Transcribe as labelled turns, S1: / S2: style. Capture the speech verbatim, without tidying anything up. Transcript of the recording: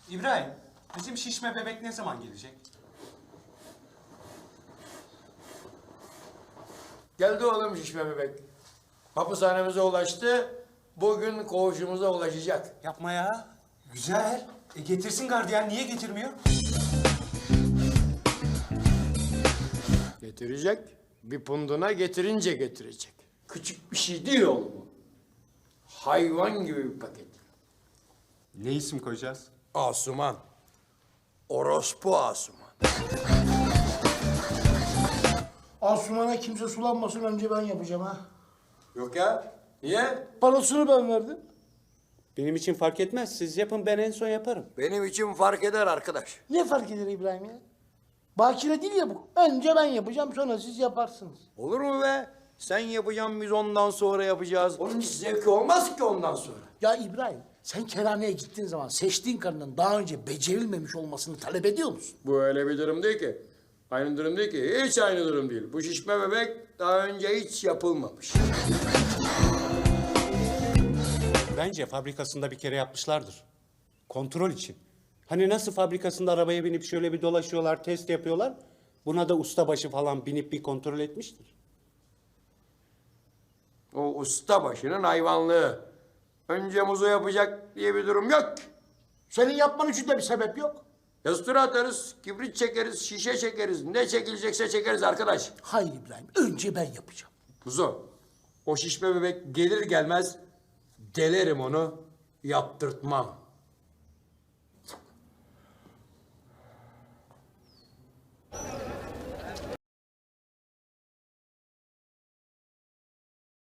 S1: İbrahim, bizim şişme bebek ne zaman gelecek?
S2: Geldi oğlum şişme bebek. Hapishanemize ulaştı. Bugün koğuşumuza ulaşacak.
S1: Yapma ya. Güzel. E getirsin gardiyan, niye getirmiyor?
S2: Getirecek. Bir punduna getirince getirecek. Küçük bir şey değil oğlum bu. Hayvan gibi bir paket.
S1: Ne isim koyacağız?
S2: Asuman. Orospu Asuman.
S3: Asuman'a kimse sulanmasın önce ben yapacağım ha.
S2: Yok ya. Niye?
S3: Parasını ben verdim.
S1: Benim için fark etmez. Siz yapın, ben en son yaparım.
S2: Benim için fark eder arkadaş.
S3: Ne fark eder İbrahim ya? Bakire değil ya bu. Önce ben yapacağım sonra siz yaparsınız.
S2: Olur mu be? Sen yapacaksın, biz ondan sonra yapacağız. Onun hiç zevki olmaz ki ondan sonra.
S3: Ya İbrahim sen kerhaneye gittiğin zaman seçtiğin karının daha önce becerilmemiş olmasını talep ediyor musun?
S2: Bu öyle bir durum değil ki. Aynı durum değil ki. Hiç aynı durum değil. Bu şişme bebek daha önce hiç yapılmamış.
S1: Bence fabrikasında bir kere yapmışlardır. Kontrol için. Hani nasıl fabrikasında arabaya binip şöyle bir dolaşıyorlar, test yapıyorlar. Buna da ustabaşı falan binip bir kontrol etmiştir.
S2: O usta başının hayvanlığı. Önce muzu yapacak diye bir durum yok.
S3: Senin yapman için de bir sebep yok.
S2: Yastıra atarız, kibrit çekeriz, şişe çekeriz. Ne çekilecekse çekeriz arkadaş.
S3: Hayır İbrahim önce ben yapacağım.
S2: Muzo, o şişme bebek gelir gelmez delerim onu, yaptırtmam.